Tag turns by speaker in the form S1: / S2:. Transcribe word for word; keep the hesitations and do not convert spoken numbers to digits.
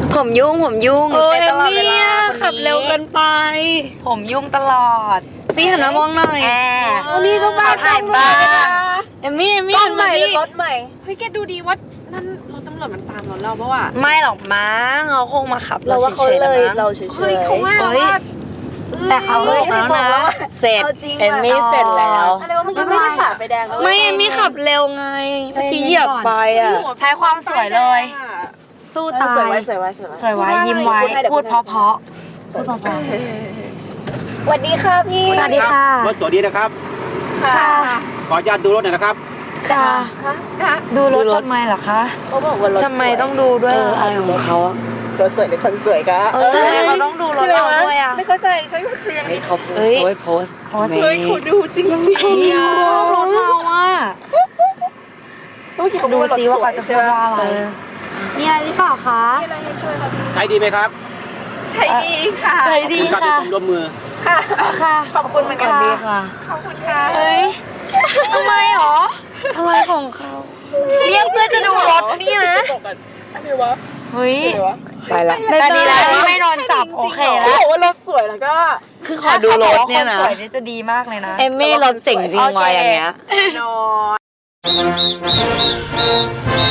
S1: ผมยุ่งผมยุ่ง
S2: เออเอมมี่ขับเร็วเกินไป
S1: ผมยุ่งตลอด
S2: ซีหันมามองหน่อย
S1: แอร์
S2: ตอนนี้ก็บ้า
S1: ถ่ายบ้าน
S2: เอมมี่เอมมี่
S3: ร
S2: หั
S3: ถ
S2: น
S3: ให
S2: มา
S3: ม่หรื
S2: ดิ
S3: อรถใหม่เฮ้ยแกดูดีว่านั่นรถตำรวจมันตามรถเราเพราะว่า
S1: ไม่หรอกมั้งเขาคงมาขับ
S3: เราว่าเขา
S1: ฉๆ
S3: เลย
S1: มั้ง
S3: เราเฉยๆเฮ้ยเขาว่า
S1: เฮ้ย
S3: ว่า
S1: แต่เขาบอกแล้วนะเสร็จ
S3: เอาจริง
S1: เอมมี่เสร็จแล้ว
S3: อะไรวะเมื่อกี้ไม่ได้ฝ่าไฟแดง
S2: ไม่เอมมี่ขับเร็วไงเมื่อกี้เหยียบไปอ่ะ
S1: ใช้ความสวยเลย สู้ตา
S3: สวย
S1: ย
S3: ไว้สวยไว้สวยไว้
S1: สวยไว้ยิ้มไว้พูดเพราะๆพูดเพราะ
S3: สวัสดีค่ะพี่
S1: ๆสวัสดีค่ะ
S4: รถสวัสดีนะครับ
S3: ค่ะ
S4: ขออนุญาตดูรถหน่อยนะครับ
S1: ค่ะ
S3: ฮะฮะ
S1: ดูรถทำไมเหรอคะ
S3: เขาบอกว่ารถ
S1: ทำไมต้องดูด้วย
S2: เอออะไรของเขาอะ
S3: รถสวยในคนสวยกะ
S1: เออทำไมเขาต้องดูรถเราด้วยอ่ะ
S3: ไม่เข้าใจใช่ไหมเคลียร์
S2: เฮ้ยเขาโพส
S1: เฮ้
S2: ต์
S1: ย
S2: โอ้ยโพสต์
S1: โพสต์
S3: เฮ้ยคุณดูจริงจริง
S1: ชอบรถเราอ่ะ
S3: เมื่อกี้เขา
S1: ดู
S3: บอกว่ารถ
S1: ซิ
S3: ส
S1: ว่า
S3: วย
S1: เขาจะ
S3: ใช่
S1: พูด
S3: ไหม
S1: ว่าอะไร
S2: เออ
S1: มีอะไรหรือเปล่าคะ
S3: มีอะไรให้ช่วยครับ
S4: ใช้ดีไหมครับ
S3: ใช่ดีค่ะ
S1: เฮ้ยดี
S4: ขอบณรับ
S1: ค่ะ
S4: ที่ผมร่วมมือ
S3: ค่ะ
S1: ค่ะ
S3: ขอบคุณเหมือนกัน
S1: ดีค่ะ
S3: ขอบคุณค่ะ
S1: เฮ้ยทำไมหรอ
S2: อะไรของเขา
S1: เรียกเพื่อจะดูรถนี่นะ
S3: อะไรวะ
S1: เฮ้ย
S3: อะไรวะ
S2: ไปละ
S1: แต่ดีแล้วที่ไม่โดนจับโอเค
S3: เขา
S1: แล้ว
S3: บอกว่ารถสวยแล้วก็
S2: คือขอดูรถเนี่ยนะ
S1: สวยนี่จะดีมากเลยนะ
S2: เอมมี่รถเจ๋งจริงวะอย่างเงี้ย
S3: นอน